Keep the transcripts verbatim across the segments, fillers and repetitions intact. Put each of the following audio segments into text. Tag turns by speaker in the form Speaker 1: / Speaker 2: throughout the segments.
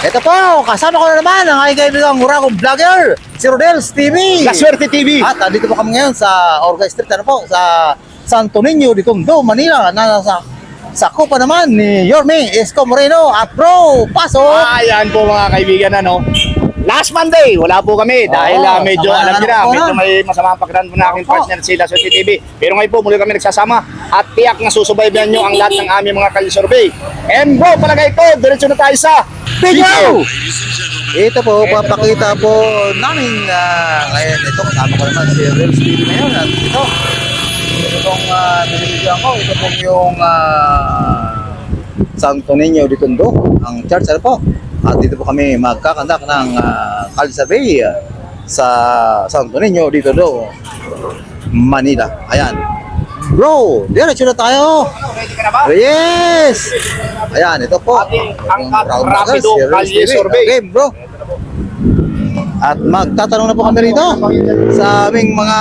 Speaker 1: Ito po, kasama ko na naman ang aking kaibigang Muragong Vlogger, si Rodels T V.
Speaker 2: La Suerte T V.
Speaker 1: At andito po kami ngayon sa Orga Street, ano po, sa Santo Niño de Tondo, Manila, na nasa sakupa naman ni Yorme Esco Moreno. At bro, pasok!
Speaker 2: Ayan po mga kaibigan, ano. Last Monday, wala po kami dahil
Speaker 1: Oo,
Speaker 2: ah, medyo
Speaker 1: sama
Speaker 2: alam
Speaker 1: na
Speaker 2: niyo na,
Speaker 1: po
Speaker 2: medyo
Speaker 1: na.
Speaker 2: may masama ang pagdaan po na aking
Speaker 1: Opo.
Speaker 2: partner si La Suerte T V. Pero ngayon po muli kami nagsasama at tiyak na susubaybayan niyo ang lahat ng aming mga kali-survey. And bro, palagay ko, diretso na tayo sa
Speaker 1: Video! Ito po, papakita po namin uh, ngayon. Ito, kasama ko naman si Rodels T V ngayon. At ito, ito pong uh, binibigyan ko. Ito pong yung uh, Santo Niño de Tondo, ang church, ano po. At dito po kami magkakandak ng uh, Kali Survey uh, sa Santo Niño de Tondo, Manila. Ayan. Bro, diretso na tayo.
Speaker 2: Ready ka na ba?
Speaker 1: Yes! Ayan, ito po.
Speaker 2: Ating angkat
Speaker 1: Round
Speaker 2: rapido
Speaker 1: Rockers,
Speaker 2: Kali
Speaker 1: Rodels T V.
Speaker 2: Survey.
Speaker 1: Okay, bro. At magtatanong na po kami rito sa aming mga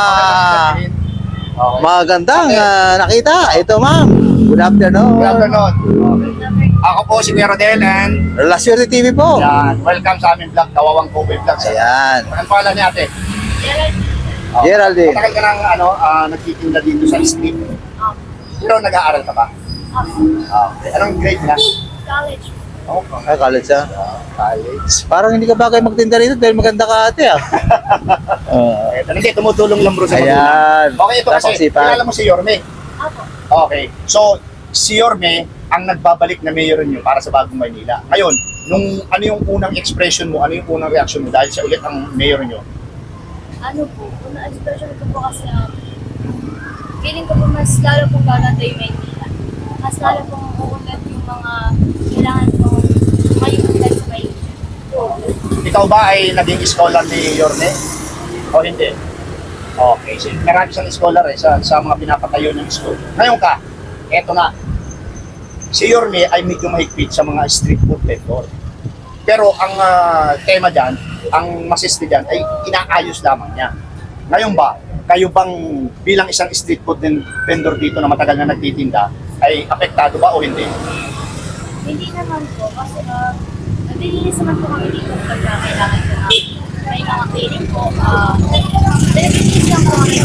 Speaker 1: magandang uh, nakita. Ito, ma'am. Good afternoon.
Speaker 2: Good afternoon. Ako po si Kuya Rodel and
Speaker 1: La Suerte T V po.
Speaker 2: yan, welcome sa aming vlog, Kawawang Kobe Vlog.
Speaker 1: Ayan.
Speaker 2: Anong pangalan niya ate? Oh.
Speaker 1: Geraldine.
Speaker 2: Matagal ka nang ano, ah, nagtitinda dito sa street. Pero nag-aaral ka ba? Ah, okay. Anong grade na?
Speaker 3: College.
Speaker 2: Okay.
Speaker 1: Ay, college ah.
Speaker 2: College.
Speaker 1: Parang hindi ka bagay magtinda rito dahil maganda ka ate ah. Uh,
Speaker 2: Eh, hindi, tumutulong lang bro sa magulang.
Speaker 1: Ayan.
Speaker 2: Okay, ito kasi,
Speaker 1: Napakasipag.
Speaker 2: kilala mo si Yorme.
Speaker 3: Ako.
Speaker 2: Okay, so si Yorme ang nagbabalik na mayor niyo para sa Bagong Maynila. Ngayon, nung ano yung unang expression mo, ano yung unang reaction mo dahil siya ulit ang mayor niyo?
Speaker 3: Ano po, una expression ko po kasi um, feeling ko po mas lalo pong gaganda yung Maynila. Mas lalo pong uulat yung mga kailangan pong mayuulat sa Maynila.
Speaker 2: Ikaw ba ay naging scholar ni Yorme? O hindi? Okay, so marami siyang scholar eh sa, sa mga pinapatayo ng school. Ngayon ka, eto na. Si Yorme ay medyo mahigpit sa mga street food vendor. Pero ang ah, tema dyan, ang masiste dyan ay inaayos lamang niya. Ngayon ba, kayo bang bilang isang street food vendor dito na matagal na nagtitinda, ay apektado ba o hindi?
Speaker 3: Hindi naman po kasi uh, nalilinis naman po kami dito pagka kailangan ko na may mga feeling po. Uh, nalilinis lang po kami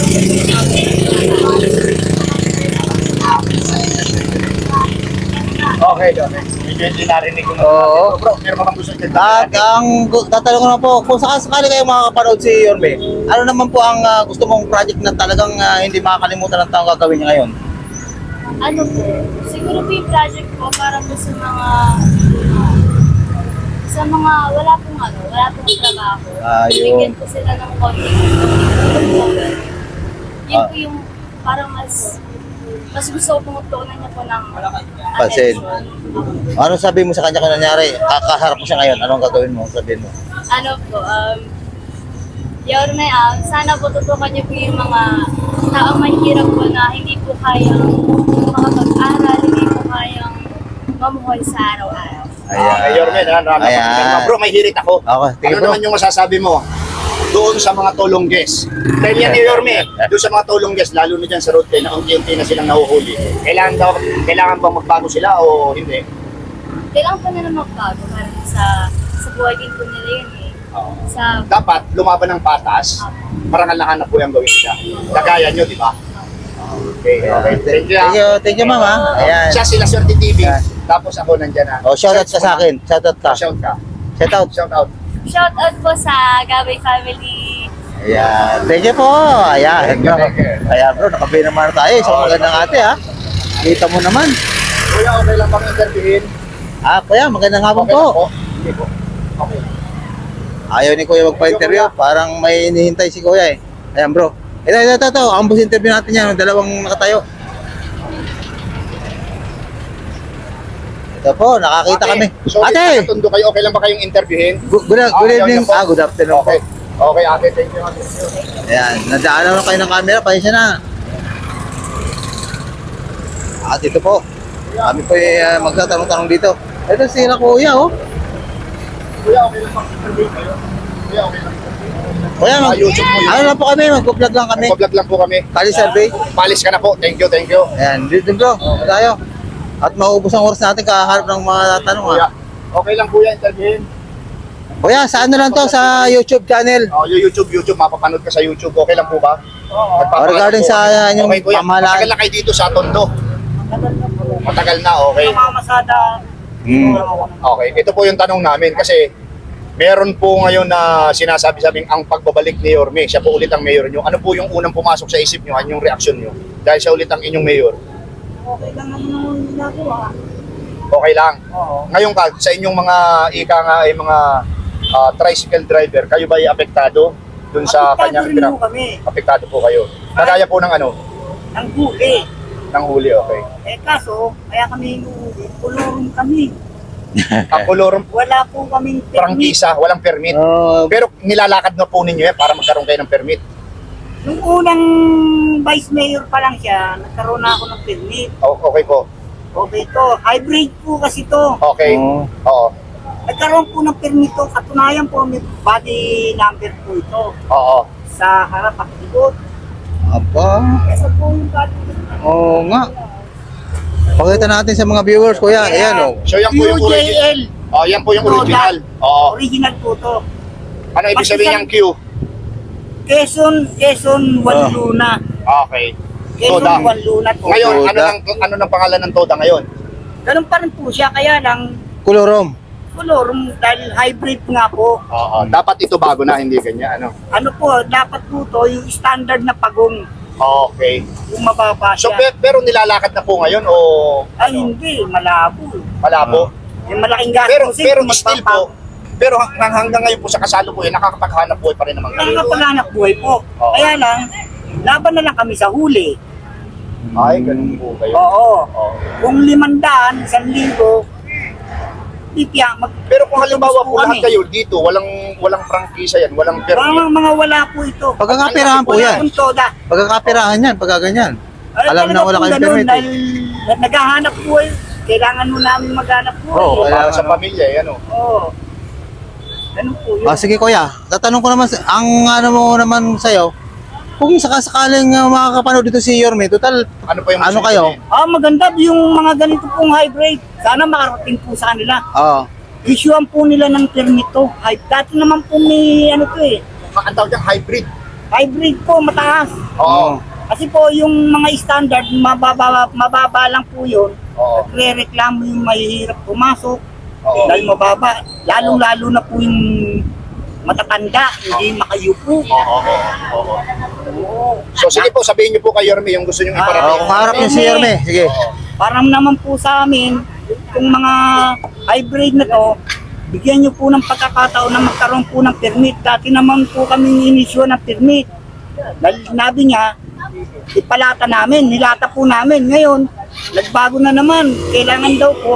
Speaker 2: Okay, okay. Medyo hindi narinig ko na.
Speaker 1: Oo.
Speaker 2: Bro, meron ka bang gusto
Speaker 1: At
Speaker 2: nyo?
Speaker 1: ang gu- tatanong ko na po, kung sakasakali kayo makakapanood si Yorme, ano naman po ang ah, gusto mong project na talagang ah, hindi makakalimutan ng taong gagawin niya ngayon?
Speaker 3: ano po, siguro po yung project po para po sa mga sa mga wala pong ano, wala pong trabaho.
Speaker 1: Ah, yun.
Speaker 3: Bigyan po sila ng konting tulong. Yun
Speaker 1: Ah.
Speaker 3: po yung parang mas mas gusto ko pong tuunan niya po ng
Speaker 1: Pansin.
Speaker 3: attention.
Speaker 1: Ano sabi mo sa kanya kung nangyari? Kakaharap mo siya ngayon, anong gagawin mo? Sabihin mo.
Speaker 3: Ano po, um, yun na um, sana po tutukan niyo po yung mga taong mahirap po na hindi po kayang makapag-aral, hindi po kayang mamuhay sa araw-araw.
Speaker 2: Ayan. Ay, Yorme, na, na,
Speaker 1: Ayan.
Speaker 2: bro, may hirit ako.
Speaker 1: Okay, tingin
Speaker 2: Ano
Speaker 1: bro.
Speaker 2: naman yung masasabi mo doon sa mga tulongges? Dahil yan ni Yorme, doon sa mga tulongges, lalo na dyan sa road na unti-unti na silang nahuhuli. Kailangan daw, kailangan bang magbago sila o hindi?
Speaker 3: Kailangan pa nila magbago para sa sa buhay din po nila yun eh.
Speaker 2: Oo.
Speaker 3: Sa
Speaker 2: Dapat lumaban ng patas, marangal na hanap po yung gawin siya. Kagaya nyo, di ba? Okay, okay. Thank you.
Speaker 1: Thank you, thank you ma'am ha. Ayan.
Speaker 2: Siya sila Swerte T V,
Speaker 1: Ayan.
Speaker 2: tapos ako nandyan na.
Speaker 1: Oh, shoutout ka sa akin. Shoutout ka.
Speaker 2: Shout ka.
Speaker 1: Shoutout.
Speaker 2: Shout out.
Speaker 3: shout out po sa Gabay family.
Speaker 1: Ayan. Thank you po. Ayan.
Speaker 2: Thank you, thank you.
Speaker 1: Ayan bro, nakabay naman na tayo. Isang magandang ate ha. Kita mo naman.
Speaker 2: Kuya, okay lang bang interviewin?
Speaker 1: Ah, kuya, magandang hapon
Speaker 2: Okay lang
Speaker 1: po.
Speaker 2: po. Hindi po. Okay.
Speaker 1: Ayaw ni kuya magpa-interview. Parang may hinihintay si kuya eh. Ayan bro. Ito, ito, ito, ito. Ambos interview natin yan. Dalawang nakatayo. Ito po, nakakita
Speaker 2: Ate,
Speaker 1: kami.
Speaker 2: So,
Speaker 1: Ate!
Speaker 2: Tundo kayo, okay lang ba kayong interviewin?
Speaker 1: Good, good, good
Speaker 2: Ah,
Speaker 1: evening.
Speaker 2: yun po.
Speaker 1: Ah, good afternoon
Speaker 2: Okay.
Speaker 1: po.
Speaker 2: Okay, ate, thank you. Thank you.
Speaker 1: Ayan, nadaanan na kayo ng camera. Pasensya na. At ito po. Kami po uh, magtatanong-tanong dito. Ito sila kuya oh.
Speaker 2: Kuya, okay lang bang interviewin kayo? Kuya, okay lang.
Speaker 1: Kuya, mag,
Speaker 2: Ah, YouTube po yun.
Speaker 1: ano lang po kami, mag-vlog lang kami.
Speaker 2: Mag-vlog lang po kami.
Speaker 1: Kali survey.
Speaker 2: Palis ka na po. Thank you, thank you.
Speaker 1: Ayan, dito bro, tayo. At maubos ang oras natin kakaharap ng mga tanong ha.
Speaker 2: Kuya, Okay lang kuya, interviewin.
Speaker 1: Kuya, sa ano lang to? Sa YouTube channel.
Speaker 2: Oh, yung YouTube, YouTube, mapapanood ka sa YouTube. Okay lang po ba? Oo.
Speaker 1: Oh, regarding sa uh, inyong
Speaker 2: okay, kuya.
Speaker 1: pamahalaan.
Speaker 2: Matagal na kayo dito sa Tondo. Matagal na, okay.
Speaker 4: Namamasada.
Speaker 1: Hmm.
Speaker 2: Okay, ito po yung tanong namin kasi meron po ngayon na sinasabi-sabing ang pagbabalik ni Yorme, siya po ulit ang mayor nyo. Ano po yung unang pumasok sa isip nyo, ano yung reaksyon nyo? Dahil siya ulit ang inyong mayor.
Speaker 4: Okay lang naman ang ginagawa.
Speaker 2: Okay lang.
Speaker 4: Oo.
Speaker 2: Ngayon ka, sa inyong mga ika nga ay mga ah, tricycle driver, kayo ba ay apektado dun sa
Speaker 4: Apektado
Speaker 2: kanyang
Speaker 4: rin
Speaker 2: pinag-
Speaker 4: po kami.
Speaker 2: Apektado po kayo. Kagaya po ng ano,
Speaker 4: Ang huli.
Speaker 2: ng huli, okay.
Speaker 4: Eh kaso, kaya kami hinuhuli, kulurong kami.
Speaker 2: Ang kolorong
Speaker 4: Wala po kaming permit.
Speaker 2: prangkisa, walang permit.
Speaker 1: Oh,
Speaker 2: Pero nilalakad na po ninyo yan para magkaroon kayo ng permit.
Speaker 4: Nung unang vice mayor pa lang siya, nagkaroon na ako ng permit.
Speaker 2: O- Okay po.
Speaker 4: Okay to, hybrid po kasi to.
Speaker 2: Okay.
Speaker 1: oh.
Speaker 2: Oo.
Speaker 4: Nagkaroon po ng permit to, katunayan po may body number po ito.
Speaker 2: Oo.
Speaker 4: Sa harap at likod.
Speaker 1: Aba.
Speaker 4: Kasi po yung body
Speaker 1: Oo nga. Pakita natin sa mga viewers, kuya. Ayan, oh.
Speaker 2: So yan po yung
Speaker 4: U J
Speaker 2: original.
Speaker 4: L.
Speaker 2: Oh, yan po yung
Speaker 4: Toda.
Speaker 2: original. Oo.
Speaker 4: Original po to.
Speaker 2: Ano ibig sabihin ng Q?
Speaker 4: Quezon, Quezon, Juan
Speaker 1: Ah.
Speaker 4: Luna.
Speaker 2: Okay.
Speaker 4: Quezon,
Speaker 2: Toda.
Speaker 4: Juan Luna po.
Speaker 2: Ngayon, ano
Speaker 1: Toda.
Speaker 2: nang ano nang pangalan ng Toda ngayon?
Speaker 4: Ganun pa rin po siya, kaya lang,
Speaker 1: Kolorom.
Speaker 4: color, dahil hybrid nga po.
Speaker 2: Oo. Dapat ito bago na, hindi ganyan. Ano?
Speaker 4: Ano po, dapat po to, yung standard na pagong,
Speaker 2: Okay.
Speaker 4: yung mababa
Speaker 2: So,
Speaker 4: siya.
Speaker 2: pe- pero nilalakad na po ngayon o
Speaker 4: Ay, hindi, malabo.
Speaker 2: malabo?
Speaker 4: Yung malaking gastos.
Speaker 2: Pero
Speaker 4: eh,
Speaker 2: pero
Speaker 4: kung
Speaker 2: still
Speaker 4: magpapa-
Speaker 2: po, pero hanggang, hanggang ngayon po sa kasalukuyan, nakakapaghanap buhay pa rin naman kayo.
Speaker 4: Nakakapaghanap buhay po.
Speaker 2: Oo.
Speaker 4: Kaya lang, laban na lang kami sa huli.
Speaker 2: Ay, ganun po kayo.
Speaker 4: Oo.
Speaker 2: Oo.
Speaker 4: Kung limandaan, isang linggo, titiya, mag...
Speaker 2: Pero kung halimbawa po
Speaker 4: kami.
Speaker 2: lahat kayo dito, walang walang prangkisa yan, walang permit.
Speaker 4: Mga, mga wala po ito.
Speaker 1: Pagkakapirahan po
Speaker 4: Wala
Speaker 1: yan.
Speaker 4: pong toda.
Speaker 1: Pagkakapirahan yan, pagka ganyan.
Speaker 4: Ay,
Speaker 1: Alam na
Speaker 4: talaga
Speaker 1: wala
Speaker 4: pong
Speaker 1: kayong
Speaker 4: ganun,
Speaker 1: permit. eh.
Speaker 4: Dahil naghahanap buhay, kailangan mo namin maghanap buhay.
Speaker 1: Oo,
Speaker 2: Oo,
Speaker 1: kaya
Speaker 2: para sa
Speaker 1: ano.
Speaker 2: pamilya, eh, ano.
Speaker 4: Oo. Ganun po yun.
Speaker 1: Ah, sige kuya, tatanong ko naman, sa- ang ano mo naman sa'yo, kung sakasakaling uh, makakapanood dito si Yorme, total,
Speaker 2: Ano pa yung
Speaker 1: Ano
Speaker 2: gusto
Speaker 1: kayo?
Speaker 2: niyo
Speaker 4: Ah, maganda yung mga ganito pong hybrid. Sana makarating po sa kanila.
Speaker 1: oh,
Speaker 4: Issuean po nila ng permit to. Hy- Dati naman po may ano to eh.
Speaker 2: din? Ang tawag dyan, hybrid.
Speaker 4: Hybrid po, mataas.
Speaker 2: Oo.
Speaker 4: Kasi po yung mga standard, mababa, mababa lang po yun.
Speaker 2: Oo.
Speaker 4: Nagre-reklamo yung mahihirap pumasok.
Speaker 2: Oo.
Speaker 4: Dahil mababa. Lalong-lalo na po yung matatanda, hindi makayupo.
Speaker 2: Oo, oo, oo.
Speaker 4: Oo.
Speaker 2: So sige po, sabihin niyo po kay Yorme yung gusto niyo
Speaker 4: Ah,
Speaker 1: oh,
Speaker 2: iparating.
Speaker 1: kung harap niyo si Yorme, sige.
Speaker 2: Oo.
Speaker 4: Parang naman po sa amin, itong mga hybrid na to, bigyan nyo po ng pagkakataon na magkaroon po ng permit. Dati naman po kami inisyo ng permit. Dahil sinabi niya, ipalata namin, nilata po namin. Ngayon, nagbago na naman. Kailangan daw po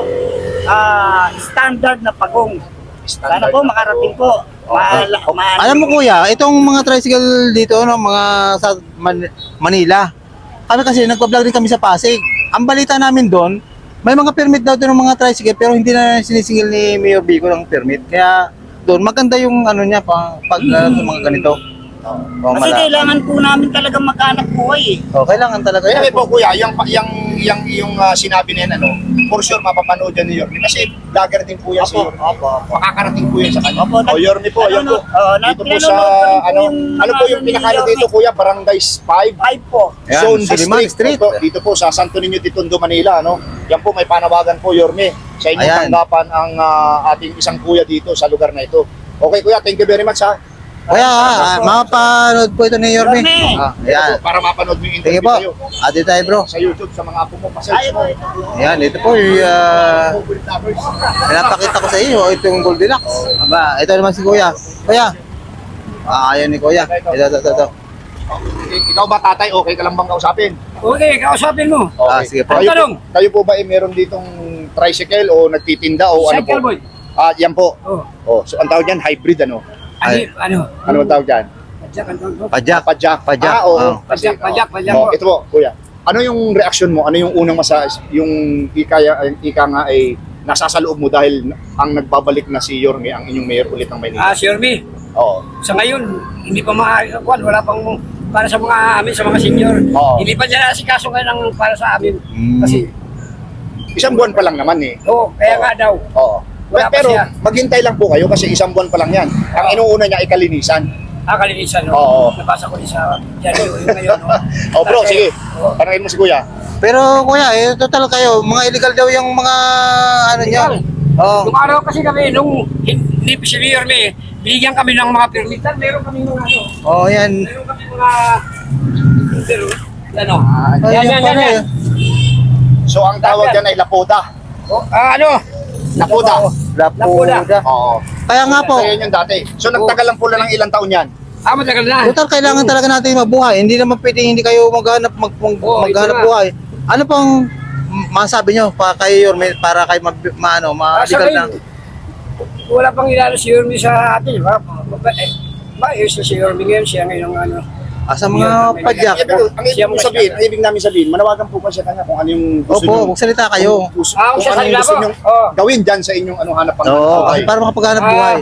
Speaker 4: ah, standard na pagong. Sana
Speaker 2: Standard
Speaker 4: po
Speaker 2: na
Speaker 4: makarating
Speaker 2: po.
Speaker 4: po. Maala, maala-
Speaker 1: Alam mo kuya, itong mga tricycle dito, no, mga sa Man- Manila, kami kasi nagpa-vlog din kami sa Pasig. Ang balita namin doon, may mga permit daw doon ng mga tricycle pero hindi na sinisingil ni Mayor Bico ng permit. Kaya doon maganda yung ano niya pang pag uh, mga ganito. Oh,
Speaker 4: Kasi
Speaker 1: mala-
Speaker 4: kailangan po namin talaga maghanap buhay eh.
Speaker 1: oh, kailangan talaga
Speaker 2: Kaya
Speaker 1: yan.
Speaker 2: po kuya, yung, yung, yung, yung ah, sinabi niya, ano, for sure mapapanood yan ni Yorme. Kasi vlogger din po yan si
Speaker 4: Opo,
Speaker 2: Yorme.
Speaker 4: opo, opo.
Speaker 2: Makakarating po yan sa kanya.
Speaker 4: Opo,
Speaker 2: O Yorme po,
Speaker 4: ano,
Speaker 2: yan po.
Speaker 4: oh, na-
Speaker 2: Dito po
Speaker 4: pinanonood
Speaker 2: sa,
Speaker 4: ko rin po
Speaker 2: ano,
Speaker 4: yung
Speaker 2: ano po
Speaker 4: ano
Speaker 2: yung
Speaker 4: ni
Speaker 2: pinakano
Speaker 4: Yorme.
Speaker 2: dito kuya? Barangay five.
Speaker 4: Five po.
Speaker 1: Ayan,
Speaker 2: Zone
Speaker 1: Suliman
Speaker 2: District.
Speaker 1: Street.
Speaker 2: Ito, dito po sa Santo Niño de Tondo, Manila. No? Yan po, may panawagan po, Yorme. Sa inyong
Speaker 1: Ayan.
Speaker 2: tanggapan ang ah, ating isang kuya dito sa lugar na ito. Okay kuya, thank you very much ha.
Speaker 1: Kuya, ah, mapapanood po ito ni Yorme.
Speaker 4: Yorme.
Speaker 1: Ah,
Speaker 2: Ito
Speaker 1: ayan.
Speaker 2: po, para mapanood mo yung
Speaker 1: Sige
Speaker 2: interview
Speaker 1: po.
Speaker 2: kayo.
Speaker 1: Ate tayo bro.
Speaker 2: Sa YouTube, sa mga apo mo,
Speaker 4: Ay,
Speaker 2: pa-search mo.
Speaker 1: Ayan, ito po yung uh,
Speaker 2: Favorite lovers.
Speaker 1: pinapakita ko sa iyo. Ito yung Goldilocks. Aba, ito naman si Kuya. Kuya. Ah, ayan ni Kuya. Ito, ito, ito. ito.
Speaker 2: Ikaw ba tatay, okay ka lang bang kausapin?
Speaker 4: Okay, kausapin mo.
Speaker 1: Ah, sige po.
Speaker 2: Kayo,
Speaker 4: Tanong.
Speaker 2: kayo po ba eh, meron ditong tricycle o nagtitinda o ano po?
Speaker 4: Cycle boy.
Speaker 2: Ah, yan po.
Speaker 4: Oh,
Speaker 2: Oh, so ang tawag diyan hybrid ano?
Speaker 1: Ay.
Speaker 4: ano?
Speaker 2: Ano ang tawag diyan?
Speaker 4: Padyak, ano?
Speaker 1: Pajak.
Speaker 2: Pajak.
Speaker 1: Pajak,
Speaker 2: Ah, oo.
Speaker 1: oh.
Speaker 2: Kasi-
Speaker 4: Pajak, pajak, pajak
Speaker 2: Oh,
Speaker 4: po.
Speaker 2: ito po, kuya. Ano yung reaction mo? Ano yung unang masa yung ikaya ika nga ay nasasaloob mo dahil ang nagbabalik na si Yorme ang inyong mayor ulit ng Maynila?
Speaker 5: Ah, Sir B,
Speaker 2: Oo.
Speaker 5: sa ngayon, hindi pa maaari, wala pang para sa mga amin, sa mga senior.
Speaker 2: Oo.
Speaker 5: Hindi pa niya nasikaso ngayon ang para sa amin.
Speaker 1: Mm.
Speaker 5: Kasi,
Speaker 2: Isang buwan pa lang naman eh.
Speaker 5: oo, kaya nga daw.
Speaker 2: Oo.
Speaker 5: Wala pa
Speaker 2: Pero
Speaker 5: siya.
Speaker 2: maghintay lang po kayo kasi isang buwan pa lang yan. Ang inuuna niya ay kalinisan.
Speaker 5: Ah, kalinisan, no?
Speaker 2: Oo.
Speaker 5: Nabasa ko din sa diaryo yung ngayon, no?
Speaker 2: Oh bro,
Speaker 5: Kasi-
Speaker 2: sige.
Speaker 5: Oo.
Speaker 2: Tanungin mo si Kuya.
Speaker 1: Pero kuya, eh, total kayo, mga illegal daw yung mga ano niyo.
Speaker 5: Illegal.
Speaker 1: Oh.
Speaker 5: Nung araw kasi kami, nung hindi pa si Mayor May, binigyan kami ng mga permitan, meron kami mga ano,
Speaker 1: Oh, yan.
Speaker 5: meron kami mga, pero, ano,
Speaker 1: Ay,
Speaker 5: yan,
Speaker 1: yan
Speaker 5: yan,
Speaker 1: pala
Speaker 5: yan,
Speaker 1: eh.
Speaker 5: yan.
Speaker 2: So ang tawag dyan ay lapoda.
Speaker 5: Oh, ah, ano?
Speaker 2: Lapoda.
Speaker 1: Lapuda.
Speaker 2: Oo.
Speaker 1: Kaya nga po,
Speaker 2: Kaya yun yung dati. So nagtagal lang po lang ng ilang taon yan.
Speaker 5: Ah, matagal na.
Speaker 1: total kailangan talaga natin mabuhay. Hindi naman pwedeng hindi kayo maghanap mag, mag,
Speaker 5: Oo, ito
Speaker 1: maghanap
Speaker 5: nga.
Speaker 1: buhay. Ano pang m- masabi nyo pa kay Yorme para kay ma, ma, ano,
Speaker 5: Ah, sa
Speaker 1: ma-legal
Speaker 5: ngayon,
Speaker 1: na?
Speaker 5: wala pang ilalo si Yormi sa atin, di ba? Maba- eh, Maayos na si Yormi ngayon, siya ngayon ang ano.
Speaker 1: Ah, sa mga padyak.
Speaker 2: Ibig, ang ibig mong sabihin, ang ibig namin sabihin, manawagan po pa siya kanya kung ano yung gusto
Speaker 1: Opo,
Speaker 2: nyo.
Speaker 1: magsalita kayo.
Speaker 2: Kung, gusto-
Speaker 5: Ah,
Speaker 2: kung
Speaker 5: siya
Speaker 2: ano
Speaker 5: sa
Speaker 2: yung gusto
Speaker 5: ilabo.
Speaker 2: nyo
Speaker 5: Oo.
Speaker 2: gawin dyan sa inyong ano, hanap ang
Speaker 1: Oo,
Speaker 2: buhay.
Speaker 1: para makapaghanap
Speaker 5: Ah.
Speaker 1: buhay.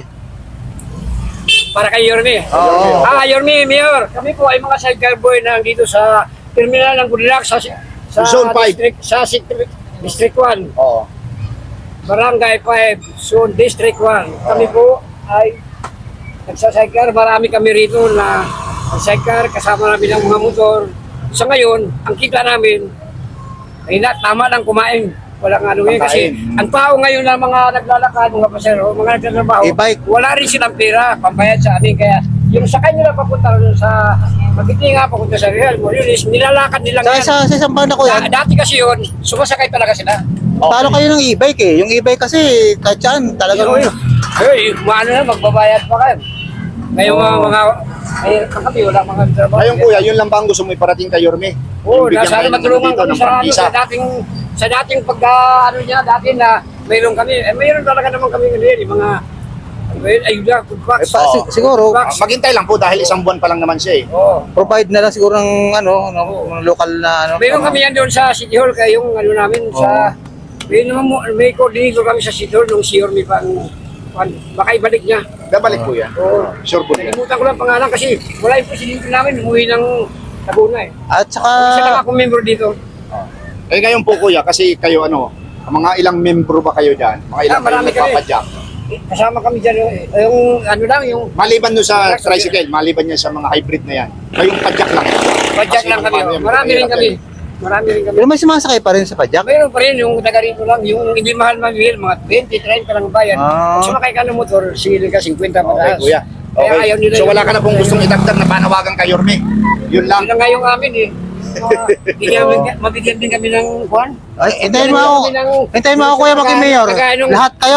Speaker 5: Para kay Yormi.
Speaker 1: Oo.
Speaker 5: Ah, Yormi, Mayor, kami po ay mga sidecar boy na dito sa terminal ng Goodluck sa sa
Speaker 2: Zone five.
Speaker 5: district sa District, District one,
Speaker 2: Oo.
Speaker 5: Barangay five, Zone District one. Kami po ay nagsasidecar, marami kami rito na sidecar kasama namin ng mga motor. Sa ngayon, ang kita namin ay na, tama lang kumain. Walang ano ngayon kasi
Speaker 2: Pagkain.
Speaker 5: ang tao ngayon na mga naglalakad, mga pasero, mga nagtatrabaho,
Speaker 1: E-bike.
Speaker 5: wala rin silang pera, pambayad sa amin. Kaya yung sa kanila papunta rin sa Magkitinga, papunta sa Real Moriles, nilalakad nilang
Speaker 1: Sa,
Speaker 5: yan.
Speaker 1: sa, sa isang banda ko
Speaker 5: Da-
Speaker 1: yan,
Speaker 5: dati kasi yun, sumasakay talaga sila.
Speaker 1: talo kayo ng e-bike eh. Yung e-bike kasi, kahit saan, talagang...
Speaker 5: Ay, ay, maano na, magbabayad pa kayo. Ngayon mga mga, ay, kami wala mga trabaho.
Speaker 2: Ngayon kuya, yun lang ba ang gusto mo iparating kay Yorme?
Speaker 5: Oo,
Speaker 2: Yung bigyan
Speaker 5: nasa
Speaker 2: kayo ng
Speaker 5: matulungan
Speaker 2: dito
Speaker 5: kami
Speaker 2: ng
Speaker 5: sa, ano,
Speaker 2: prangkisa.
Speaker 5: sa dating sa dating pagka ano niya dati na mayroon kami eh mayroon talaga naman kami ngayon yung mga well, ayuda food
Speaker 1: Eh,
Speaker 5: packs.
Speaker 1: pa, si- siguro,
Speaker 2: Ah, maghintay lang po dahil isang buwan pa lang naman siya eh.
Speaker 5: Oo.
Speaker 1: provide na lang siguro ng ano, ng, ng local na ano.
Speaker 5: Mayroon kami yan doon sa City Hall kaya yung ano namin sa may naman mo may coordinator kami sa City Hall nung sure may pang pan- baka ibalik niya.
Speaker 2: Babalik po yan.
Speaker 5: Oo.
Speaker 2: Sure po yan.
Speaker 5: Nalimutan ko lang pangalan kasi wala yung presidente namin umuwi ng Laguna eh.
Speaker 1: At saka,
Speaker 5: Isa lang ako member dito.
Speaker 2: Eh ngayon po kuya, kasi kayo ano, mga ilang membro ba kayo dyan? Mga ilang
Speaker 5: Ah, marami
Speaker 2: kayo
Speaker 5: kami.
Speaker 2: nagpapadyak?
Speaker 5: Kasama kami dyan yung, yung ano lang yung
Speaker 2: Maliban doon sa tricycle, maliban yan sa mga hybrid na yan. Kayong padyak lang.
Speaker 5: Padyak
Speaker 2: Kasi
Speaker 5: lang kami.
Speaker 2: paano yan,
Speaker 5: Marami rin
Speaker 2: mahirap
Speaker 5: kami.
Speaker 2: yan.
Speaker 5: Marami rin kami.
Speaker 1: pero may sumasakay pa rin sa padyak.
Speaker 5: Mayroon pa rin yung taga rito lang, yung hindi mahal mamihil, mga twenty, thirty lang bayan.
Speaker 1: Ah.
Speaker 5: Pag sumakay ka ng motor, sige ka fifty
Speaker 2: Okay
Speaker 5: pataas.
Speaker 2: kuya.
Speaker 5: Kaya
Speaker 2: Okay.
Speaker 5: ayaw nila
Speaker 2: So
Speaker 5: yung-
Speaker 2: wala ka na pong gustong idagdag na panawagan kay Yorme. Yun lang.
Speaker 5: Yun lang nga yung amin eh. Mga- bigyan, mabigyan din kami ng kwan.
Speaker 1: Ay, hintayin mo ako.
Speaker 5: Bigyan kami ng-
Speaker 1: Hintayin mo ako, Kuya Maging Mayor.
Speaker 5: Kagaya nung-
Speaker 1: Lahat kayo.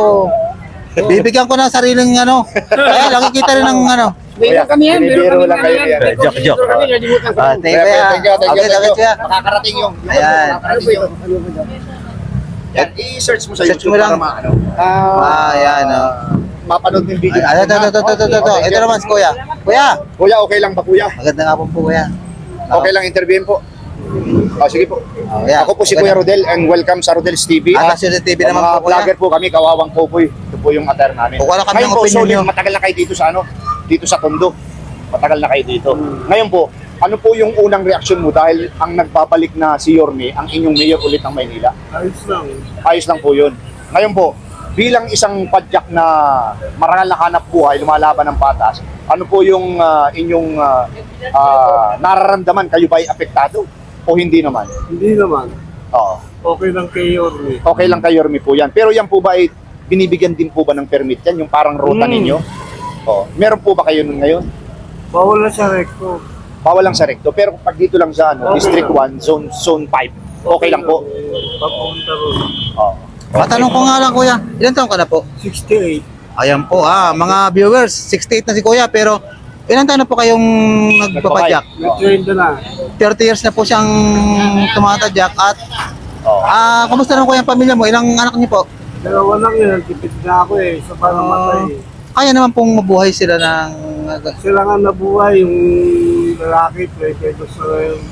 Speaker 1: Bibigyan ko ng sariling ano. Kaya lang kita rin ng ano.
Speaker 5: Meron kami yan, meron
Speaker 2: binibiro
Speaker 5: kami
Speaker 2: lang kayo
Speaker 5: yan.
Speaker 2: yan.
Speaker 5: May
Speaker 1: Joke, joke.
Speaker 5: coordinator kami, nalimutan ko.
Speaker 1: Ah, thank you, Kuya.
Speaker 2: Thank you, thank you,
Speaker 1: Okay,
Speaker 2: thank
Speaker 1: okay,
Speaker 2: you.
Speaker 1: Kuya.
Speaker 2: Makakarating yung.
Speaker 1: Ayan.
Speaker 5: Ano po yun? Ano po yun?
Speaker 2: Yan, i-search mo sa
Speaker 1: Search
Speaker 2: YouTube
Speaker 1: mo lang.
Speaker 2: para maano.
Speaker 1: Ah, yan. Oh.
Speaker 2: Mapanood mo yung video.
Speaker 1: Ay, ito, ito, ito, ito, ito, ito.
Speaker 2: Okay,
Speaker 1: Ito naman, Kuya. Kuya.
Speaker 2: Kuya, okay lang ba kuya?
Speaker 1: Maganda nga po po, Kuya.
Speaker 2: Okay lang interviewin po. Oh, sige po.
Speaker 1: Oh, yeah.
Speaker 2: Ako po si
Speaker 1: Maganda.
Speaker 2: Kuya Rodel and welcome sa Rodel's T V.
Speaker 1: Ah, National T V naman
Speaker 2: mga
Speaker 1: po, Kuya.
Speaker 2: vlogger po kami, Kawawang Popoy. Ito po yung attire namin.
Speaker 1: Kukuha lang kami
Speaker 2: Ngayon
Speaker 1: ng
Speaker 2: po,
Speaker 1: opinion
Speaker 2: solid,
Speaker 1: nyo.
Speaker 2: matagal na kayo dito sa ano? Dito sa Tondo. Matagal na kayo dito. Ngayon po, ano po yung unang reaksyon mo dahil ang nagbabalik na si Yorme, ang inyong mayor ulit ng Maynila?
Speaker 5: Ayos lang.
Speaker 2: Ayos lang po yun. Ngayon po, bilang isang padyak na marangal na hanap buhay, lumalaban ng patas, ano po yung ah, inyong ah, ah, nararamdaman? Kayo ba ay apektado? O hindi naman?
Speaker 6: Hindi naman.
Speaker 2: Oo.
Speaker 6: Okay lang kay Yorme.
Speaker 2: Okay lang kay Yorme po yan. Pero yan po ba ay binibigyan din po ba ng permit yan? Yung parang ruta
Speaker 6: Mm.
Speaker 2: ninyo? Oo. Meron po ba kayo nun ngayon?
Speaker 6: Bawal na sa recto.
Speaker 2: Bawal lang sa recto. Pero pag dito lang sa ano,
Speaker 6: Okay
Speaker 2: District
Speaker 6: lang.
Speaker 2: one, Zone zone five, okay lang po?
Speaker 6: Papunta ron.
Speaker 2: Oo.
Speaker 1: Matanong ko nga lang, Kuya. Ilan taon ka na po?
Speaker 6: sixty-eight.
Speaker 1: Ayan po, ah, mga viewers, sixty-eight na si Kuya, pero ilan taon na po kayong nagpapadyak?
Speaker 6: Nag-train na.
Speaker 1: thirty years na po siyang tumatadyak at
Speaker 2: Oo.
Speaker 1: ah, kumusta naman po yung pamilya mo? Ilang anak niyo po?
Speaker 6: Dalawa lang yun. Tipid na ako eh. Isa pa namatay.
Speaker 1: Kaya naman pong mabuhay sila ng
Speaker 6: Sila nga nabuhay. Yung lalaki, twenty pesos na ngayon.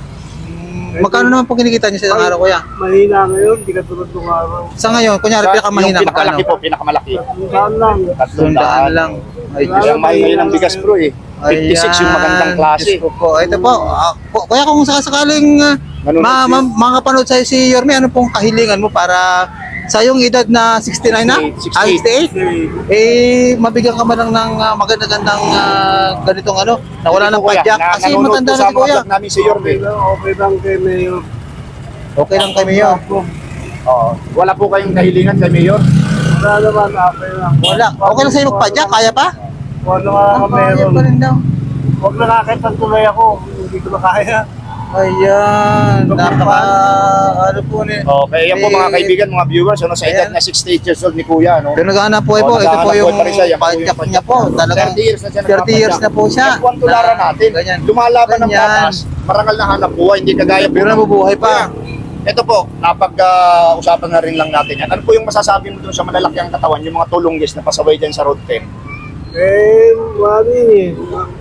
Speaker 1: magkano naman po kinikita niyo sa isang araw, Kuya?
Speaker 6: Mahina ngayon. Di ka tulad ng araw.
Speaker 1: Sa ngayon, kunyari
Speaker 2: Sa-
Speaker 1: pinakamahina,
Speaker 2: yung
Speaker 1: magkano?
Speaker 2: pinakamalaki po, pinakamalaki.
Speaker 6: Saan lang.
Speaker 2: Tatlong
Speaker 1: Sundaan
Speaker 2: daan.
Speaker 1: lang. Ay,
Speaker 6: Wala.
Speaker 2: Isang mahal ngayon ng bigas bro eh. fifty-six yung magandang klase.
Speaker 1: Diyos ko po. Ito po, ah, ku- Kuya, kung sakasakaling uh,
Speaker 2: Nanonood
Speaker 1: ma
Speaker 2: si-
Speaker 1: ma makapanood sa'yo si Yorme, ano pong kahilingan mo para sa yung edad na sixty-nine na? Ah, sixty-eight? Eh, mabigyan ka man lang ng uh, maganda-gandang uh, ganitong ano, na wala ng
Speaker 2: Kuya,
Speaker 1: padyak.
Speaker 2: na-
Speaker 1: Kasi
Speaker 2: nanonood
Speaker 1: matanda
Speaker 2: po
Speaker 1: na
Speaker 2: sa
Speaker 1: si
Speaker 2: mga
Speaker 1: Kuya.
Speaker 2: vlog namin si Yorme.
Speaker 6: Okay lang, okay lang kay Mayor.
Speaker 1: Okay lang kay Mayor.
Speaker 2: Oo. Wala po kayong kahilingan kay Mayor?
Speaker 6: Wala naman, okay lang.
Speaker 1: Wala. Okay lang sa'yo magpadyak, kaya pa?
Speaker 6: Wala nga
Speaker 1: Kaya
Speaker 6: meron.
Speaker 1: pa rin daw.
Speaker 6: Huwag nakakita tuloy ako, hindi ko na kaya.
Speaker 1: Ayan, napaka, ano po ni.
Speaker 2: Okay, yan po mga kaibigan, mga viewers, ano, sa edad
Speaker 1: Ayan.
Speaker 2: na sixty-eight years old ni Kuya, no?
Speaker 1: Pero naghahanap po eh po,
Speaker 2: Oh,
Speaker 1: ito po
Speaker 2: naghahanap
Speaker 1: yung
Speaker 2: buhay pa rin siya, yan po yung
Speaker 1: padyak
Speaker 2: padyak
Speaker 1: niya po.
Speaker 2: niya.
Speaker 1: Talagang
Speaker 2: thirty years na siya
Speaker 1: thirty years na po siya.
Speaker 2: Yan po ang tularan natin.
Speaker 1: Ganyan.
Speaker 2: Lumalaban ng
Speaker 1: Ganyan.
Speaker 2: batas, marangal na hanap buhay, hindi kagaya po.
Speaker 1: Pero
Speaker 2: ng-
Speaker 1: nabubuhay pa.
Speaker 2: Kuya, ito po, napag-usapan na rin lang natin yan. Ano po yung masasabi mo dun sa malalaki ang katawan, yung mga tulunggis na pasaway dyan sa road ten?
Speaker 6: Eh, mali eh.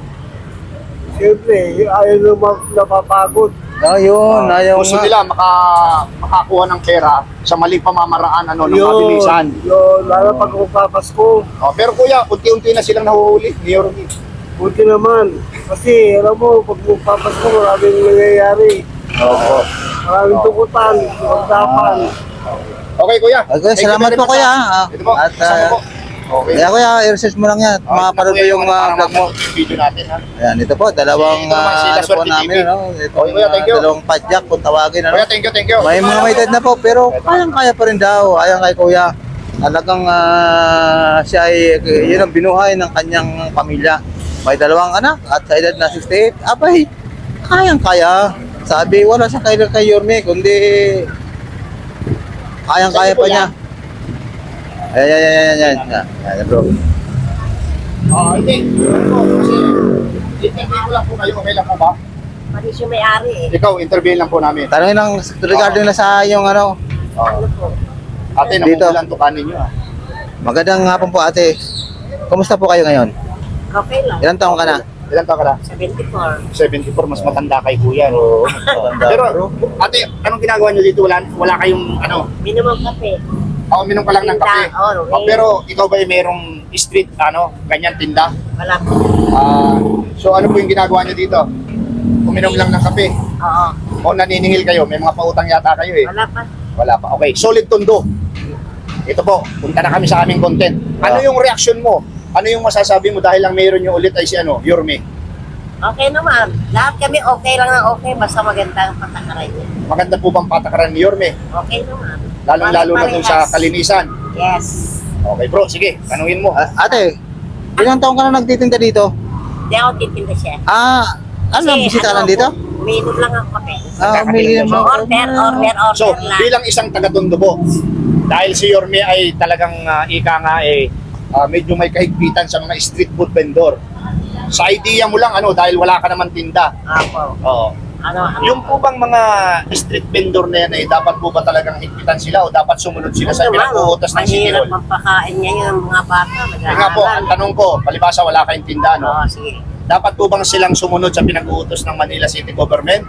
Speaker 6: Siyempre, ayaw naman napapagod.
Speaker 1: Ayun, ayaw
Speaker 2: Gusto
Speaker 1: nga.
Speaker 2: nila maka, makakuha ng pera sa maling pamamaraan ano, ng
Speaker 6: Yun,
Speaker 2: mabilisan.
Speaker 6: yun, lalo pag magpapasko.
Speaker 2: Oh, pero kuya, unti-unti na silang nahuhuli ni Yorme.
Speaker 6: Buti naman. Kasi, alam mo, pag magpapasko, maraming nangyayari.
Speaker 2: Oo.
Speaker 6: Maraming tukutan, magdapan.
Speaker 2: Okay, kuya.
Speaker 1: Okay,
Speaker 2: Thank you
Speaker 1: salamat
Speaker 2: very
Speaker 1: po,
Speaker 2: much,
Speaker 1: kuya,
Speaker 2: ha.
Speaker 1: ah.
Speaker 2: Ito po,
Speaker 1: At,
Speaker 2: kasama
Speaker 1: ah,
Speaker 2: po. Okay.
Speaker 1: Kaya kuya, i-research mo lang yan.
Speaker 2: Oh,
Speaker 1: Mapanood
Speaker 2: ito
Speaker 1: mo
Speaker 2: po
Speaker 1: yung
Speaker 2: ano,
Speaker 1: uh, vlog mo.
Speaker 2: yung video natin, ha.
Speaker 1: Ayan, ito po, dalawang
Speaker 2: Ito naman si
Speaker 1: uh,
Speaker 2: La
Speaker 1: ano po
Speaker 2: Suerte
Speaker 1: namin,
Speaker 2: T V.
Speaker 1: ano, ito,
Speaker 2: Okay, kuya, thank you.
Speaker 1: dalawang padyak kung tawagin, ano.
Speaker 2: Kuya, thank you, thank you.
Speaker 1: May mga may edad na po, pero kayang-kaya pa rin daw. Ayan kay kuya. Talagang ah, siya ay, yun ang binuhay ng kanyang pamilya. May dalawang anak at sa edad na sixty-eight, abay, kayang-kaya. Sabi, wala siya kay, kay Yorme, kundi kayang-kaya pa niya. Ayan, ayan, ayan, ayan, ayan, ayan, bro.
Speaker 2: Oh, hindi. Ano po, kasi interview ko lang po kayo, okay lang po ba?
Speaker 7: Pati siya may-ari eh.
Speaker 2: Ikaw, interview lang po namin.
Speaker 1: Tanongin lang regarding na sa yung ano,
Speaker 2: Oh. Ate,
Speaker 1: Dito.
Speaker 2: namukulan tukanin nyo, ha.
Speaker 1: magandang hapon po ate. Kumusta po kayo ngayon?
Speaker 7: Okay lang.
Speaker 1: Ilang taong ka na?
Speaker 2: Ilan taon ka na?
Speaker 7: seventy-four.
Speaker 2: seventy-four, mas matanda kay kuya, no? Pero, ate, anong ginagawa nyo dito? Wala, wala kayong, ano,
Speaker 7: Minimum kape.
Speaker 2: oh, minom ka lang ng kape.
Speaker 7: Tinda, oh,
Speaker 2: Oh, pero, ikaw ba ay merong street, ano, ganyan tinda?
Speaker 7: Wala po.
Speaker 2: Ah, so, ano po yung ginagawa nyo dito? Uminom lang ng kape.
Speaker 7: Oo.
Speaker 2: O naniningil kayo, may mga pautang yata kayo eh.
Speaker 7: Wala pa.
Speaker 2: Wala pa. Okay, solid tondo. Ito po, punta na kami sa aming content. Ano
Speaker 1: Ah.
Speaker 2: yung reaction mo? Ano yung masasabi mo dahil lang mayroon yung ulit ay si ano, Yorme?
Speaker 7: Okay naman. Lahat kami okay lang na okay. Basta maganda ang patakaran niya.
Speaker 2: Maganda po bang patakaran ni Yorme?
Speaker 7: Okay naman.
Speaker 2: Lalong-lalo na dun sa
Speaker 7: Parehas.
Speaker 2: kalinisan.
Speaker 7: Yes.
Speaker 2: Okay bro, sige, tanungin mo.
Speaker 1: Ah, ate, ilang taong ka na nagtitinda dito?
Speaker 7: Hindi ako titinda siya.
Speaker 1: Ah, ano, bisita lang dito?
Speaker 7: Umiinom lang ako kape.
Speaker 1: Ah, umiinom ako.
Speaker 7: Order, order, order
Speaker 2: So,
Speaker 7: lang.
Speaker 2: bilang isang taga-tondo po, dahil si Yorme ay talagang ah, ika nga eh, ah, medyo may kahigpitan sa mga street food vendor. Sa idea mo lang, ano, dahil wala ka naman tinda.
Speaker 7: Apo.
Speaker 2: Oo.
Speaker 7: Ano, ano?
Speaker 2: Yung po bang mga street vendor na yan, eh, dapat po ba talagang higpitan sila o dapat sumunod sila sa
Speaker 7: Ano,
Speaker 2: pinag-uutos ng City
Speaker 7: mahirap
Speaker 2: Hall?
Speaker 7: magpakain ngayon ng mga bata.
Speaker 2: Kaya nga po, ang tanong ko, palibasa wala kayong tinda, no?
Speaker 7: Oo, sige.
Speaker 2: Dapat po bang silang sumunod sa pinag-uutos ng Manila City Government?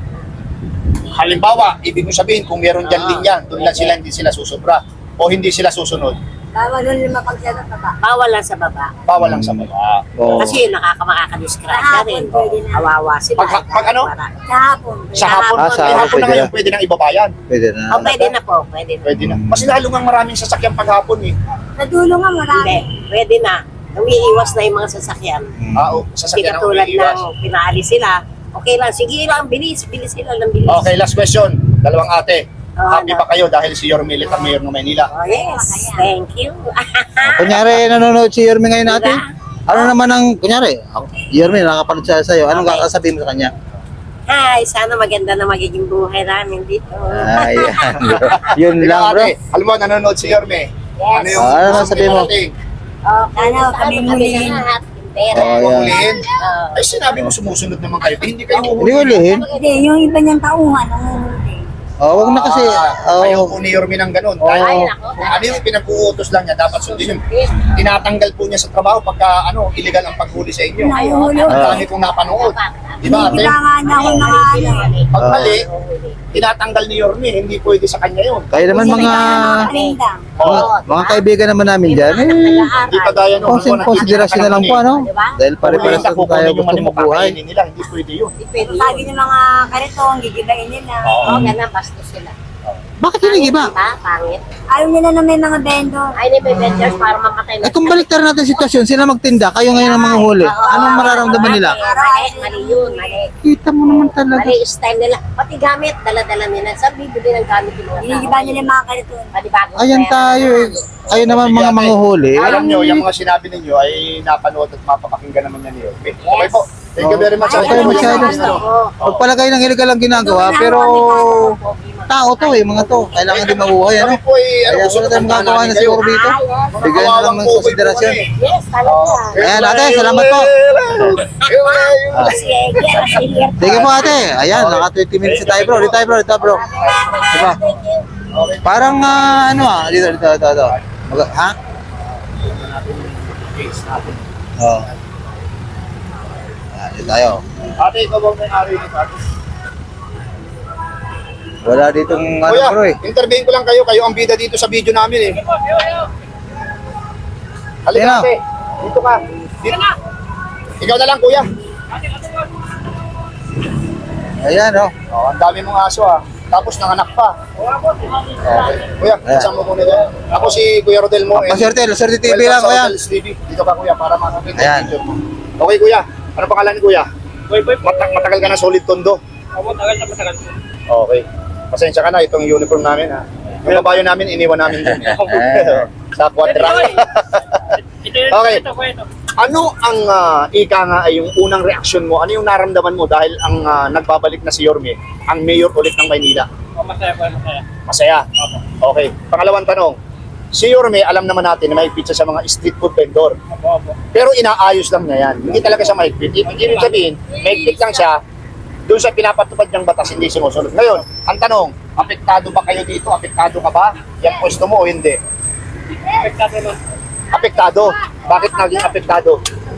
Speaker 2: Halimbawa, ibig ko sabihin, kung meron dyan
Speaker 7: Oo.
Speaker 2: linya, doon lang sila, hindi sila susubra. O hindi sila susunod,
Speaker 7: Bawal lang lima pag sa baba. Bawal lang sa baba.
Speaker 2: bawal lang sa baba.
Speaker 1: Oo.
Speaker 7: Kasi nakakamakakadisgrasya rin. Awawa sila.
Speaker 2: Pag- pag ano?
Speaker 7: Sa hapon.
Speaker 2: Sa hapon,
Speaker 1: Ah, sa
Speaker 2: eh,
Speaker 1: hapon,
Speaker 2: hapon na
Speaker 1: pwede
Speaker 2: ngayon,
Speaker 1: na.
Speaker 2: pwede nang ibabayan.
Speaker 1: Pwede na.
Speaker 7: Oh, pwede na po. Pwede na.
Speaker 2: Pwede na. Mas lalo nga maraming sasakyan paghapon eh.
Speaker 7: Sa dulo nga marami. Hindi. Pwede na. Umiiwas na yung mga sasakyan.
Speaker 1: Hmm.
Speaker 2: Ah, oh,
Speaker 7: Hindi
Speaker 2: sasakyan ang
Speaker 7: katulad
Speaker 2: umiiwas.
Speaker 7: ng pinaalis sila. Okay lang. Sige lang. Bilis. Bilis sila ng bilis.
Speaker 2: Okay, last question. Dalawang ate.
Speaker 7: Oh,
Speaker 2: Happy
Speaker 7: ano?
Speaker 2: ba kayo dahil si Yorme Litt ang mayor ng Maynila?
Speaker 7: Oh, yes. Thank you.
Speaker 1: Kunyari, nanonood si Yorme ngayon natin. Ano naman ang, kunyari, ako, Yorme, nakapanood siya sa'yo. Anong
Speaker 7: Okay.
Speaker 1: kakasabihin mo sa kanya?
Speaker 7: Hi. Sana maganda na magiging buhay namin dito.
Speaker 1: Ayan. Yun
Speaker 2: Ikaw,
Speaker 1: lang, bro.
Speaker 2: ate, alam mo, nanonood si Yorme.
Speaker 7: Yes.
Speaker 2: Ano yung
Speaker 1: Ah, ano
Speaker 2: gusto
Speaker 1: sabihin mo?
Speaker 2: iparating?
Speaker 7: Oh, sana kami muliin. Pera.
Speaker 1: Oh,
Speaker 2: Huwag
Speaker 1: yan.
Speaker 2: hulihin.
Speaker 7: Oh.
Speaker 2: Ay, sinabi mo sumusunod naman kayo. Eh, hindi kayo
Speaker 1: Hindi
Speaker 2: huhulihin.
Speaker 1: ulihin.
Speaker 7: Hindi, yung iba niyang tauhan, nanguhuli.
Speaker 1: Oh, wag na kasi.
Speaker 2: Ah, ayaw
Speaker 1: Oh,
Speaker 2: po ni Yorme ng ganun.
Speaker 1: Oo.
Speaker 2: Dahil
Speaker 7: Ay, nako.
Speaker 2: kung ano yung pinag-uutos lang niya, dapat sundin yun. Tinatanggal po niya sa trabaho pagka ano, illegal ang paghuli sa inyo.
Speaker 7: Nanguhuli.
Speaker 2: Ang dami kong napanood. Di ba, ate?
Speaker 7: Kailangan niya ako ng ano.
Speaker 2: Pag mali, tinatanggal ni Yorme, hindi pwede sa kanya yun.
Speaker 1: kaya naman mga, mga, mga kaibigan naman namin dyan, eh,
Speaker 2: Hindi kagaya nung
Speaker 1: konsin, konsiderasyon na lang po, ano? Dahil pare-pares
Speaker 2: Pare-pares
Speaker 1: na tayo
Speaker 2: yung
Speaker 1: gusto
Speaker 2: mali
Speaker 1: mabuhay.
Speaker 2: mapakainin nila, hindi pwede yun.
Speaker 7: Lagi ng mga karitong, gigibain nila.
Speaker 2: Oo.
Speaker 7: Oo, ganun, bastos sila.
Speaker 1: Bakit hindi iba?
Speaker 7: Diba? Pangit.
Speaker 3: Ayaw nila na may mga vendor.
Speaker 7: Ay, hindi may vendors para mapatay
Speaker 1: Eh kung baliktar natin sitwasyon, sila magtinda, kayo ngayon ang mga huli. Anong mararamdaman nila?
Speaker 7: Mali, mali yun, mali.
Speaker 1: Kita mo naman talaga.
Speaker 7: Mali yung style nila. Pati gamit, dala-dala nila. Saan bibili ng gamit yung mga tao?
Speaker 3: Hinigiba nila yung mga ganito.
Speaker 7: Pati bagong
Speaker 1: Ayan
Speaker 7: pera.
Speaker 1: tayo eh. Kayo naman mga manguhuli.
Speaker 2: Alam nyo, yung mga sinabi ninyo ay napanood at mapapakinggan naman yan niyo. Okay, okay po. Thank you very much.
Speaker 1: Okay,
Speaker 2: Ano po yung
Speaker 1: masyado.
Speaker 2: mga ano?
Speaker 1: Pagpalagay ng illegal ang ginagawa, pero tao to eh, mga to. Kailangan din mabuhay, ano?
Speaker 2: Kami po ay ano,
Speaker 1: Kaya
Speaker 2: gusto
Speaker 1: wala tayong
Speaker 2: puntahan
Speaker 1: magagawa na
Speaker 2: namin
Speaker 1: siguro
Speaker 2: kayo.
Speaker 1: dito. Bigyan na lang ng konsiderasyon.
Speaker 7: Yes, talaga.
Speaker 1: Ayan ate, salamat po.
Speaker 7: Sige, yes, sige.
Speaker 1: Sige po ate. Ayan, naka twenty minutes na tayo bro. Dito tayo bro, dito bro. Diba? Parang ah, ano ah, dito, dito, dito, dito. Mag- ha? Oo. Ayan, dito tayo.
Speaker 2: Ate, ikaw bang may-ari nito? Ate?
Speaker 1: Wala ditong ano
Speaker 2: Kuya,
Speaker 1: bro eh.
Speaker 2: intervene ko lang kayo. Kayo ang bida dito sa video namin eh. Halika
Speaker 1: Sino?
Speaker 2: ate. Dito ka. Dito. Ikaw na lang kuya.
Speaker 1: Ayan oh.
Speaker 2: Oh, ang dami mong aso ah. Tapos nanganak pa. Okay. Kuya,
Speaker 1: Ayan.
Speaker 2: kasama mo muna dyan. Ako si Kuya Rodel mo.
Speaker 1: Paswerte, Luswerte T V
Speaker 2: Welcome
Speaker 1: lang
Speaker 2: sa
Speaker 1: kuya.
Speaker 2: Rodel's T V. Dito ka kuya para makakita
Speaker 1: Ayan.
Speaker 2: yung picture mo. Okay kuya. Ano pangalan ni kuya? Mata- matagal ka na solid tondo.
Speaker 5: Matagal na matagal.
Speaker 2: Okay. Pasensya ka na, itong uniform namin ha. Yung kabayo namin, iniwan namin dun.
Speaker 1: Ayan.
Speaker 2: Sa quadra.
Speaker 5: Ito yun,
Speaker 2: Okay.
Speaker 5: ito ko ito.
Speaker 2: Ano ang ah, ika nga ay yung unang reaksyon mo? Ano yung naramdaman mo dahil ang ah, nagbabalik na si Yorme, ang mayor ulit ng Maynila?
Speaker 5: Oh, masaya po, masaya.
Speaker 2: Masaya. Okay. Pangalawang tanong. Si Yorme, alam naman natin na may pizza sa mga street food vendor.
Speaker 5: Opo, opo.
Speaker 2: Pero inaayos lang niya yan. Hindi talaga siya mahigpit. Ibig ibig sabihin, mahigpit lang siya. Doon sa pinapatupad niyang batas, hindi sinusunod. Ngayon, ang tanong, apektado ba kayo dito? Apektado ka ba? Yung pwesto mo o hindi?
Speaker 5: Apektado na.
Speaker 2: Apektado. Bakit naging apektado?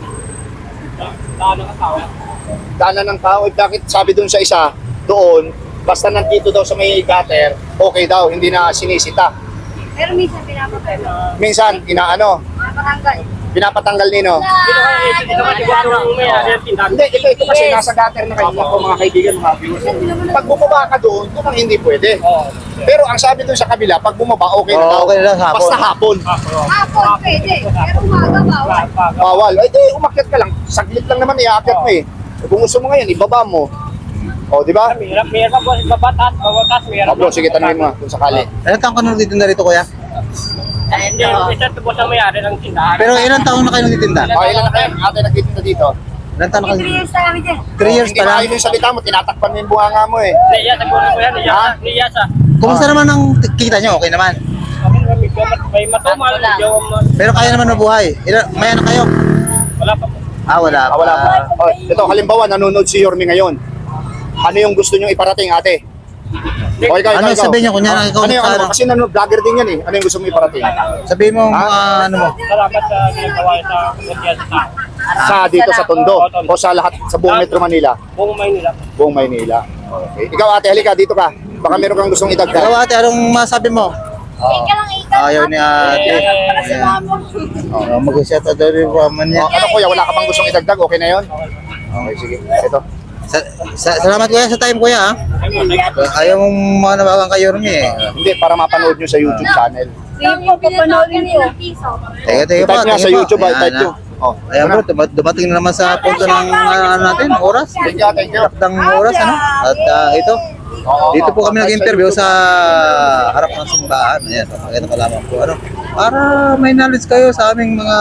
Speaker 5: Daan ng tao.
Speaker 2: Daanan ng tao. Eh, bakit sabi doon sa isa, doon, basta nandito daw sa may gutter, okay daw, hindi na sinisita.
Speaker 3: Pero minsan pinapatay mo.
Speaker 2: Minsan, inaano,
Speaker 3: Pinapatanggal.
Speaker 2: pinapatanggal nino.
Speaker 5: Dito ka, dito ka, dito ka, may ari ang tindahan.
Speaker 2: Hindi, ito, ito kasi nasa gutter na kayo po mga kaibigan, mga viewers. Pag bumaba ka doon, doon ang hindi pwede.
Speaker 5: Oo.
Speaker 2: Pero ang sabi doon sa kabila, pag bumaba, okay na
Speaker 1: Oo,
Speaker 2: daw.
Speaker 1: okay na lang sa hapon.
Speaker 2: Basta hapon.
Speaker 3: Hapon pwede. Pero umaga bawal.
Speaker 2: Bawal. Ay, di, umakyat ka lang. Saglit lang naman, iakyat mo eh. Eh, Kung gusto mo ngayon, ibaba mo. O, di ba?
Speaker 5: Mahirap, mahirap po, babatas, babatas, mahirap.
Speaker 2: O, bro, sige, tanongin mo kung sakali.
Speaker 1: Ilan taong ka nang nagtitinda rito kuya?
Speaker 5: Hindi, isa ito po sa may-ari ng tindahan.
Speaker 1: Pero ilan taong na kayo nagtitinda?
Speaker 2: O, ilan na kayo? Ate, nagtitinda dito.
Speaker 1: Ilan taong na kayo?
Speaker 3: three years na kami dyan.
Speaker 1: three years
Speaker 2: Hindi
Speaker 1: pa lang.
Speaker 2: maayos yung salita mo, tinatakpan mo yung bunganga mo eh.
Speaker 5: Niya sa bulan ko yan, niya
Speaker 2: Ha?
Speaker 5: sa, niya sa.
Speaker 1: Kumusta naman ang kita nyo? Okay naman.
Speaker 5: Kami medyo mat- may matumal, medyo ma-
Speaker 1: Pero kaya naman mabuhay. Ilan, may anak kayo?
Speaker 5: wala pa po.
Speaker 1: Ah, wala
Speaker 2: Ah, wala pa. O, ito, halimbawa, nanonood si Yorme ngayon. Ano yung gusto nyo iparating, ate? O, ikaw,
Speaker 1: Ano
Speaker 2: ikaw, ikaw.
Speaker 1: sabihin niyo, kunyari,
Speaker 2: Ah,
Speaker 1: ikaw
Speaker 2: ano yung
Speaker 1: sa
Speaker 2: ano?
Speaker 1: ano?
Speaker 2: Kasi nanonood, vlogger din yan eh. Ano yung gusto mo iparating?
Speaker 1: Sabihin mo, mga ano mo.
Speaker 5: Salamat sa ginagawa sa kutiyan sa tao.
Speaker 2: Sa dito sa Tondo o sa lahat sa buong Metro Manila,
Speaker 5: Buong Maynila.
Speaker 2: buong Maynila. Okay. Ikaw ate, halika dito ka. Baka meron kang gustong
Speaker 1: Ikaw
Speaker 2: idagdag.
Speaker 1: ate, anong masabi mo?
Speaker 3: Ika lang ika.
Speaker 1: Ayaw ni ate.
Speaker 5: Eh,
Speaker 1: Oh, mag-set out daw rin po man niya.
Speaker 2: O, ano kuya, wala ka pang gustong idagdag? Okay na yon? Okay, sige. Ito.
Speaker 1: Sa, sa, salamat kuya sa time kuya ha. Ayaw mong mga nabagang kayo rin eh.
Speaker 2: Hindi, para mapanood nyo sa YouTube channel.
Speaker 3: Sige po, papanoodin ko.
Speaker 1: Teka, teka po.
Speaker 2: I-type niya
Speaker 1: teka
Speaker 2: sa
Speaker 1: po.
Speaker 2: YouTube,
Speaker 1: Ayan,
Speaker 2: i-type
Speaker 1: ah.
Speaker 2: nyo. Oh,
Speaker 1: Ayan bro, duma- dumating na naman sa punto ng ano natin, oras.
Speaker 2: Thank you, thank you.
Speaker 1: Takdang oras ano. At ah, ito,
Speaker 2: Oo,
Speaker 1: dito po
Speaker 2: oo.
Speaker 1: kami nag-interview sa harap ng simbahan. Ayan, pakita ko lamang po ano. Para may knowledge kayo sa aming mga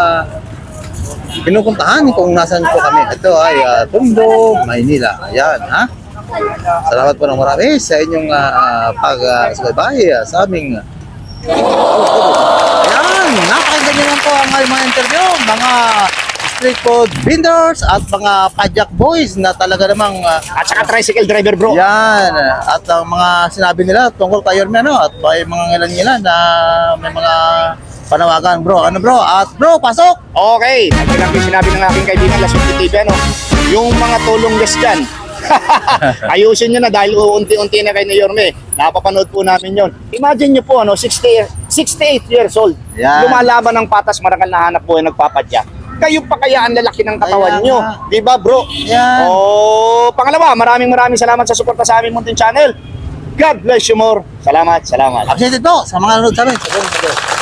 Speaker 1: pinupuntahan kung nasan po kami. Ito ay uh, Tondo, Maynila. Ayan, ha? Salamat po ng marami sa inyong uh, pag-subaybay uh, sa aming Ayan, napakinggan nyo lang po ang aming mga interview, mga street food vendors at mga pajak boys na talaga namang uh,
Speaker 2: At saka tricycle driver bro.
Speaker 1: yan, at ang mga sinabi nila tungkol kay Yorme ano, at may mga ngilan-ngilan na may mga panawagan bro. Ano bro? At bro, pasok!
Speaker 2: Okay, ito lang yung sinabi ng aking kaibigan Laswerte T V, ano? Yung mga tulong less dyan. Ayusin nyo na dahil unti-unti na kayo ni Yorme. Napapanood po namin yon. Imagine nyo po, ano, sixty, sixty-eight years old.
Speaker 1: Yan.
Speaker 2: Lumalaban ng patas, marangal na hanap buhay, nagpapadya. Kayo pa kaya ang lalaki ng katawan
Speaker 1: Kaya
Speaker 2: nyo.
Speaker 1: nga.
Speaker 2: Di ba bro?
Speaker 1: Yan.
Speaker 2: Oh, pangalawa, maraming maraming salamat sa suporta sa aming Muntin Channel. God bless you more. Salamat, salamat.
Speaker 1: Updated po sa mga nanonood sa amin. Sa buong mundo.